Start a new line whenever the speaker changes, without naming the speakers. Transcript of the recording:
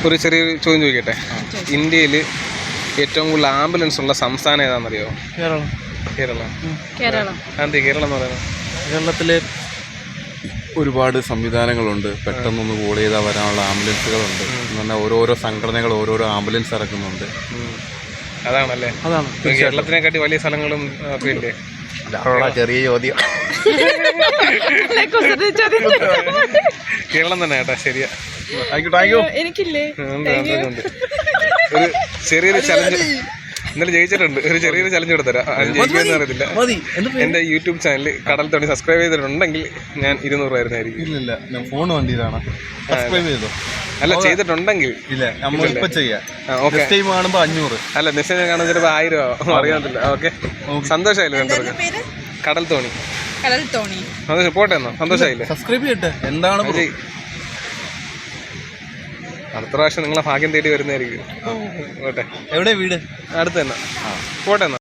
ഒരു ചെറിയൊരു ചോദ്യം ചോദിക്കട്ടെ. ഇന്ത്യയിൽ ഏറ്റവും കൂടുതൽ ആംബുലൻസ് ഉള്ള സംസ്ഥാനം ഏതാണെന്നറിയോ?
കേരളം.
കേരളം. അതെ, കേരളം എന്ന് പറയുന്നത്.
കേരളത്തിൽ ഒരുപാട് സംവിധാനങ്ങളുണ്ട്. പെട്ടെന്നൊന്ന് കോൾ ചെയ്താൽ വരാനുള്ള ആംബുലൻസുകളുണ്ട്. എന്ന് പറഞ്ഞാൽ ഓരോരോ സംഘടനകൾ ഓരോരോ ആംബുലൻസ് ഇറക്കുന്നുണ്ട്.
അതാണല്ലേ?
അതാണ്
കേരളത്തിനെക്കാട്ടി വലിയ സ്ഥലങ്ങളും ഒക്കെ ഇല്ലേ?
ചെറിയ ചോദ്യം.
കേരളം തന്നെ കേട്ടാ. ശരിയാ.
എനിക്കില്ലേ
ഒരു ചെറിയൊരു ചലഞ്ച് ഇന്നലെ ജയിച്ചിട്ടുണ്ട്. ഒരു ചെറിയൊരു ചലഞ്ച് കൊടുത്തരാം. ജയിക്കുമെന്ന് അറിയത്തില്ല. എന്റെ യൂട്യൂബ് ചാനൽ കടൽ തോണി സബ്സ്ക്രൈബ് ചെയ്തിട്ടുണ്ടെങ്കിൽ ഞാൻ 200 രൂപയായിരുന്നായിരിക്കും.
ഇല്ല, ഞാൻ ഫോൺ വണ്ടിയിലാണ്. സബ്സ്ക്രൈബ് ചെയ്തോ?
അല്ല, ചെയ്തിട്ടുണ്ടെങ്കിൽ
ഇല്ല, നമ്മളിപ്പോ ചെയ്യാം. കാണുമ്പോ 500.
അല്ല, മെസ്സേജ് കാണുമ്പോൾ ചിലപ്പോൾ 1000 അറിയാത്തില്ല. ഓക്കെ, സന്തോഷമായില്ലേ? കടൽ തോണി. സന്തോഷം. പോട്ടെ എന്നോ? സന്തോഷമായില്ലേ?
സബ്സ്ക്രൈബ് ചെയ്യട്ടെ. എന്താണ്
അടുത്ത പ്രാവശ്യം നിങ്ങളെ ഭാഗ്യം തേടി വരുന്നതായിരിക്കും. പോട്ടെ.
എവിടെ വീട്?
അടുത്ത് തന്നെ. പോട്ടെ എന്നാ.